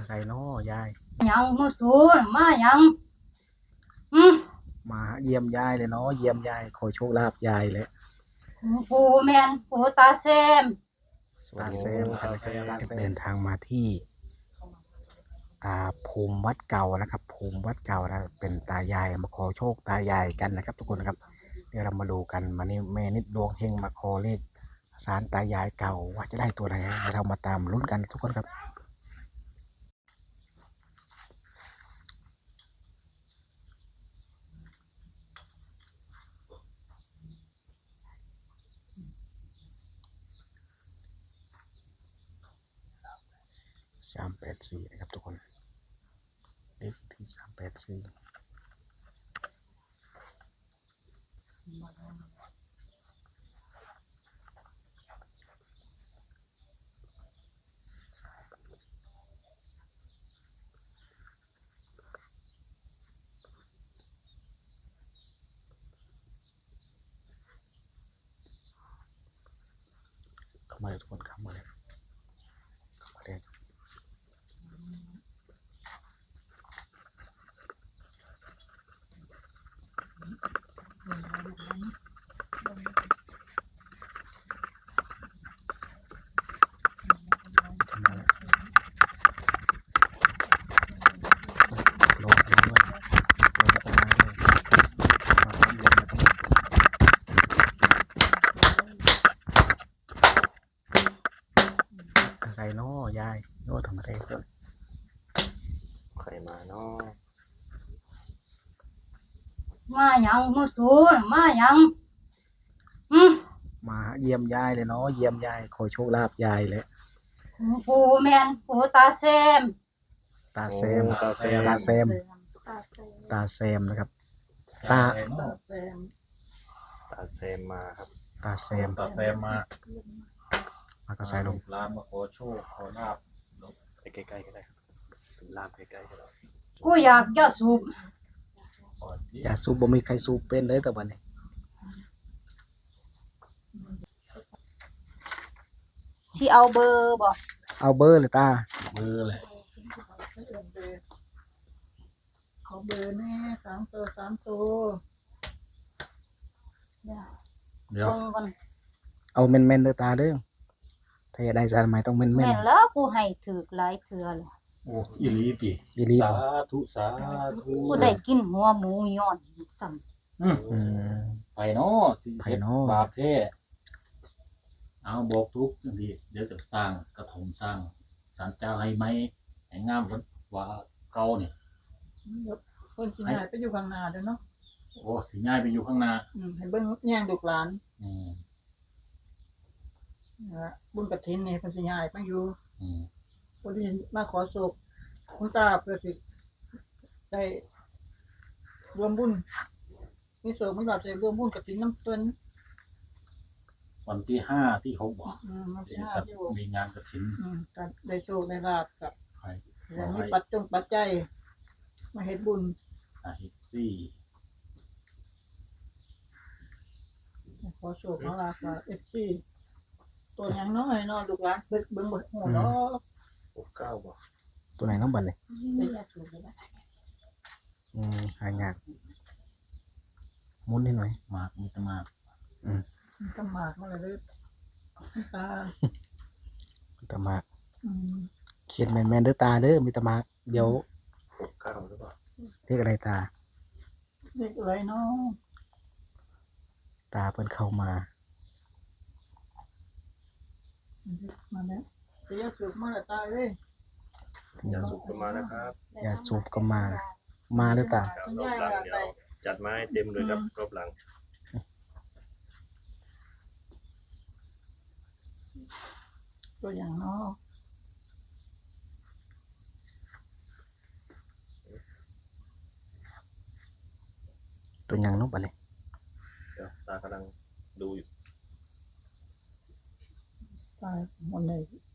อะไรเนาะยายยังมาสูนมายังมาเยี่ยมยายเลยเนาะเยี่ยมยายขอโชคลาภยายเลยปูแมนปูตาแซมตาเซมเดินทางมาที่ภูมิวัดเก่านะครับภูมิวัดเก่านะเป็นตายายมาขอโชคตายายกันนะครับทุกคนครับเดี๋ยวเรามาดูกันมานี่แม่นิดดวงเฮงมาขอเลขศาลตายายเก่าว่าจะได้ตัวไหนเดี๋ยวเรามาตามลุ้นกันทุกคนครับ384นะครับทุกคนเลขที่384เข้ามาเลยทุกคนเข้ามาเลยเข้ามาเลยโลกแล้วด้วยโลกตาด้วยมาทำลงมาต้องอะไรเนาะยายโน้ทำอะไรกันใครมาเนาะมายังมาสูนมายังมาเยี่ยมยายเลยเนาะเยี่ยมยายขอโชคลาภยายเลยปูแมนปูตาแซมตาเซมตาเซมตาเซมตาเซมนะครับตาเซมมาครับตาเซมตาเซมมาก็ใส่ลงลามาขอโชคขอลาบไปใกล้ๆก็ได้ครับลาบใกล้ๆก็ได้กูอยากจะสูบอย่าสูบบ่มีใครสูบเป็นเลยแต่วันนี้ที่เอาเบอร์บอกเอาเบอร์เลยตาเบอร์เลยขอเบอร์แน่3 ตัวเดี๋ยวเอาเม่นๆเลยตาเด้อถ้าอยากได้สารไม้ต้องเม่นแม่นแล้วกูให้ถือหลายเถื่อเลยโอ้อีหลีติอีหลีสาธุสาธุกูได้กินหัวหมูย้อนซ้ไปเนาะสิไผเฮ็ดเนาะบาปแท้เอาบอกทุกจังซี่เดี๋ยวจะสร้างกระถมสร้างศาลเจ้าให้ไหมให้งามกว่าเก่านี่คนสิย้ายไปอยู่ข้างหน้าเด้อเนาะโอ้สิย้ายไปอยู่ข้างหน้าให้เบิ่งแย่งลูกหลานอืมบุญกฐินนี่เพิ่นสิย้ายไปอยู่อืมคนที่มาขอโศกคุณตาเพื่อสิได้รวมบุญมีโศกมีลาภได้รวมบุญกฐินนำเพิ่นวันที่5ที่6บ่วันที่จะ 5ที่6 มีงานกฐินก็ได้โชคได้ลาภกับให้ได้มีปัจจัยมาเฮ็ดบุญเฮ็ดซี่ขอโชคขอลาภกับ FC ตัวหยังน้อยเนาะลูกหลานเบิ่งบ่ฮู้เนาะ 69บ่ตัวไหนน้องบันเลยได้ยากสูงเลยนะหายากมุนนิดหน่อยมากมีแต่มากมันก็มากมาเลยเด้อตาตามากเขียนแม่นๆเด้อตาเด้อมีตามากเดี๋ยว 69หรือเปล่าเรียกอะไรตาเด็กอะไรเนาะตาเพิ่นเข้ามามาแล้วจะยากสูงมาแล้วตายเลยอย่าสุกมานะครับอย่าสูบก็มาเด้อตารอบหลังเดี๋ยวจัดมาให้เต็มเลยครับรอบหลังตัวอย่างเนาะตัวยังน้องบันเลยเดี๋ยวตากำลังดูอยู่ตายหมดเลย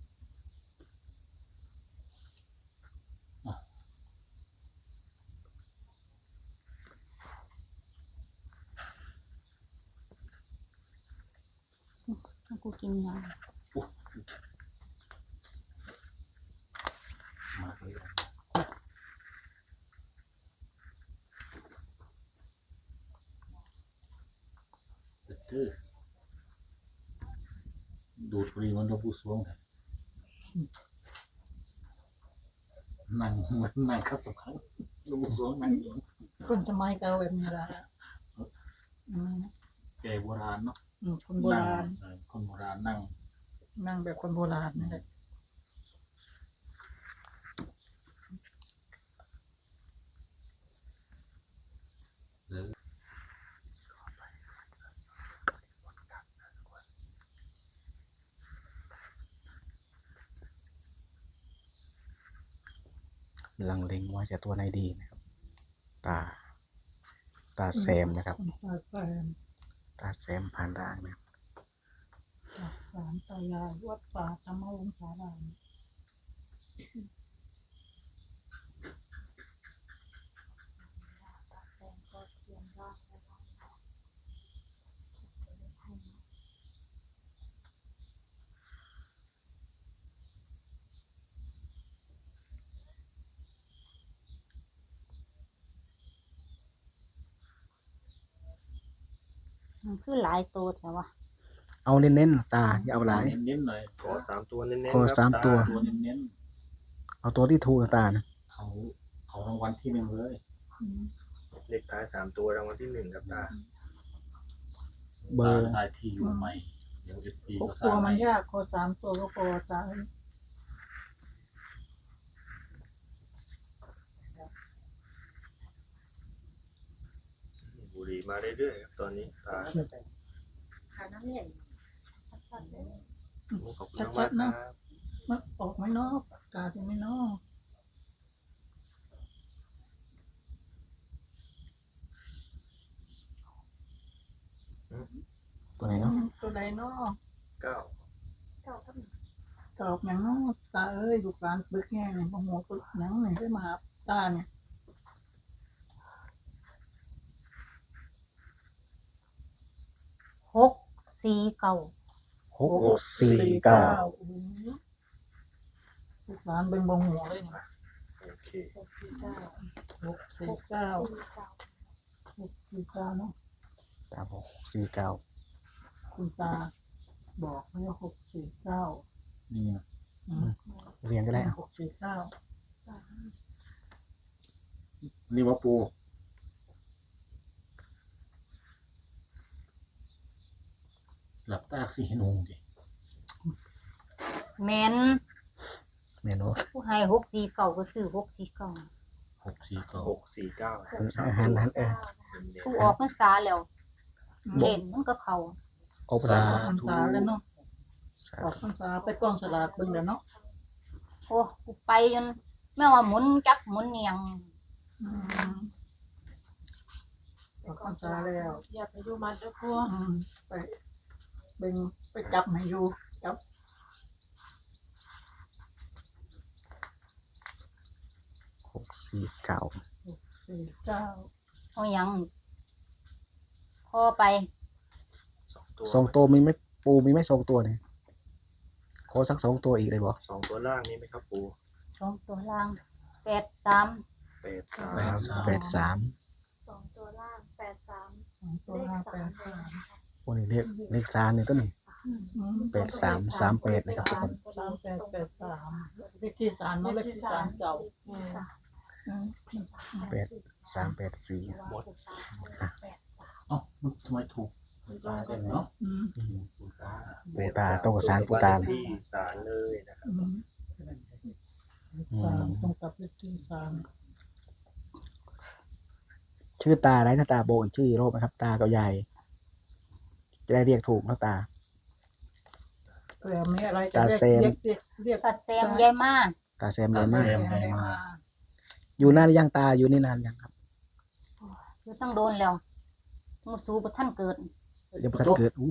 กูกินยามาเลยดูดบุหรี่มันหลวงปู่สวงแท้นั่งเหมือนนั่งคัสมังหลวงปู่สวงนั่งอยู่คนสมัยเก่าแบบนี้ละอืมแก่โบราณเนาะคนโบราณคนโบราณนั่งนั่งแบบคนโบราณนี่แหละหรือลังเลงว่าจะตัวไหนดีนะครับ ตา ตาแซมนะครับตาแซมตาแซมผ่านร่างนะครับจากศาลตายายวัดป่าธรรมวงศารามมันคือหลายตัวแต่ว่าเอาเน้นๆตาอย่าเอาหลายเน้นๆหน่อยขอ3 ตัวเน้นขอๆครับ 3 ตัวตัวเน้นเอาตัวที่ถูกตานะๆเอารางวัลที่หนึ่งเลยเลขท้าย3 ตัวรางวัลที่1ครับตาเบอร์ตาได้ที่อยู่ใหม่เดี๋ยว FC หกก็สตัร้าว งมัใหม่นยากขอ3 ตัวก็พอตาบุหรี่มาเรื่อยๆครับตอนนี้ตาขอบคุณมากครับมันออกไหมเนาะตาจะไม่เนาะตัวไหนเนาะตัวใดเนาะ 9 ตอบอย่างเนาะตาเอ้ยลูกหลานปึกแง่เนี่ยโอ้โหปึกหยังเนี่ยได้มาหาตาเนี่ยหกสี่เก้า 649 โอ้โหลูกหลานเบิ่งบ่หัวเลยเนี่ยโอเค 649 649เนาะตาบอก649 คุณตาบอกไว้ว่า649 นี่นะเรียนก็ได้เอา 649 นี่ว่าปูหลับตาสิให้หนุ่งดิแมนแม่นบ่ผู้ให้หกสี่เก้าก็ซื้อหกสี่เก้า 649 649 หันผู้ออกพรรษาแล้วเล่นมันก็เขาออกภาษาออกพรรษาแล้วเนาะออกพรรษาไปกองสลากเบิ่งแล้วเนาะโอ้กูไปจนแม่ว่าหมุนจักหมุนเนียงอืมออกพรรษาแล้วอย่าไปอยู่มันเจ้าพ่อไปเบิ่งไปจับให้อยู่จับ 649 49 เอาหยังพอไป 2 ตัวมีไหมปูมีไหม2 ตัวเนี่ยขอสัก2 ตัวอีกเลยบ่ 2 ตัวล่างนี้ไหมครับปูสองตัวล่างแปดสาม 83 สองตัวล่าง83 ตัวห้าแปดสามโอ้นี่เลข3นี่ตัวนี้ 8338นะครับทุกคนเลขที่ศาลเนาะเลขที่ศาลเก่า 8384 เอ้ามันทำไมถูกตาเป็นเนาะอืมปูตาปูตาโตกับสารปูตาที่ศาลเลยนะครับศาลตรงกับเลขที่ศาลชื่อตาอะไรนะตาโบนชื่อโรคไหมครับ ตากับยายจะได้เรียกถูกนะตาเผื่อมีอะไรจะตาแซมเรียกกระแซมยายมาตาแซมเลยมากให้มาอยู่นานหรือยังตาอยู่นี่นานยังครับคือต้องโดนแล้วมูสูบท่านเกิดยังประกันเกิดอู้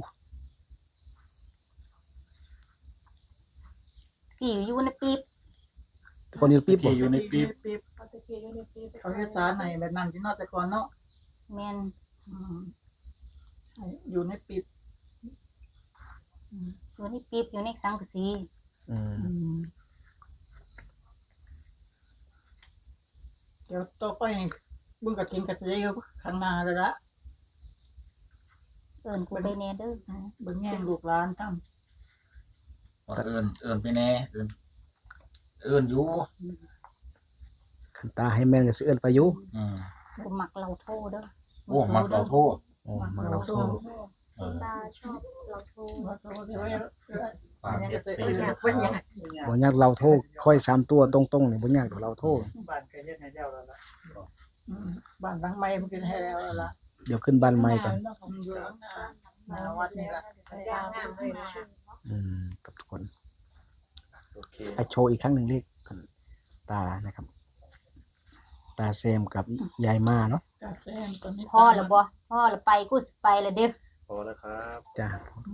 กี่อยู่ในปีบคนอยู่ปิ๊บบ่ที่อยู่ในปี๊บเอาตะเกียบในปีเขาเฮ็ดศาลในแบบนั้นที่นอกแต่ก่อนเนาะแมนอืมอยู่ในปิดอยู่ในปีบอยู่ในสังกะสีอืมเดี๋ยวต่อไปบุญกระถินกระเจียวข้างหน้าเลยละเอิ้นกูไปแน่เด้อเบิ่งแง่งลูกหลานทว่าเอิญไปแน่เอิญอยู่คันตาให้แม่นก็สิเอิ้นไปอยู่อืมบ่มักเราโทษเด้อโอ้มักเราโทษโอ้มาเราโทษเออตาชอบเราโทรมาโตเดี๋ยวไว้ฝากเอฟซีเป็นนะยังคเป็นยัรังบบ่ยากเราโทษค่อย3ตัวตรงๆนี่บ่ยากดอกเราโทษบ้านเคยเฮ็ดให้เจ้าแล้วล่ะบ้านหลังใหม่มันเป็นให้แล้วล่ะเดี๋ยวขึ้นบ้านใหม่ก่อนอยู่หน้าวัดนี่ล่ะย่างงามเลยนะกับทุกคนโอเคไปโชว์อีกครั้งหนึ่งเลขกันตานะครับ ตาเซมกับยายมาเนาะกาแฟตอนนี้พ่อแล้วบ่พ่อแล้วไปกูสิไปแล้วเด้อพอแล้วครับจ้า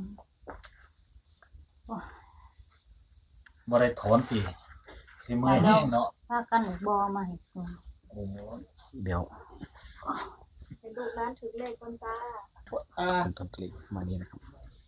บ่ได้ถอนตีสิเมื่อยแห้งเนาะพากันบ่มาให้กูโอ้โหเดี๋ยวเป็นลูกร้านถือเลขบนตาคุณต้นตรีมานี่นะครับ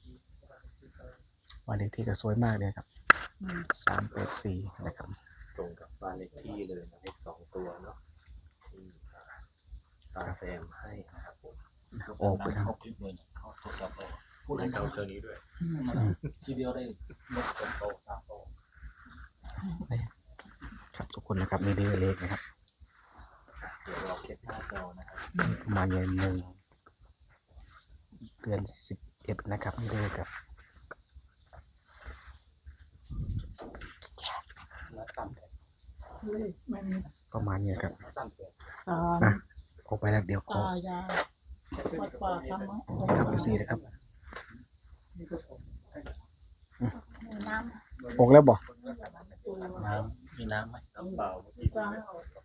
วันเลขที่ก็สวยมากเลยครับ384นะครับตรงกับบ้านเลขที่เลยนะเลข2ตัวเนาะที่ตาแซมให้นะครับผมออกไปครับเขาคลิปเลยเนี่ยเขาตรวจสอบเอาพูดให้ให้เขาเขาเท่านี้ด้วยทีเดียวได้ลดเป็นโตสามโตครับทุกคนนะครับนี่เลขนะครับเดี๋ยวเราเก็บหน้าจอนะครับประมาณ1 เดือน11นะครับนี่เลขครับแล้วตั้งแต่มันประมาณนี้ครับตั้งแต่ตาออกไปแล้วเดี๋ยวขอตายาวัดป่าธรรมะครับดูสินะครับมีน้ำออกแล้วบอกน้ำมีน้ำไหมน้ำเปล่าเมื่อกี้ตา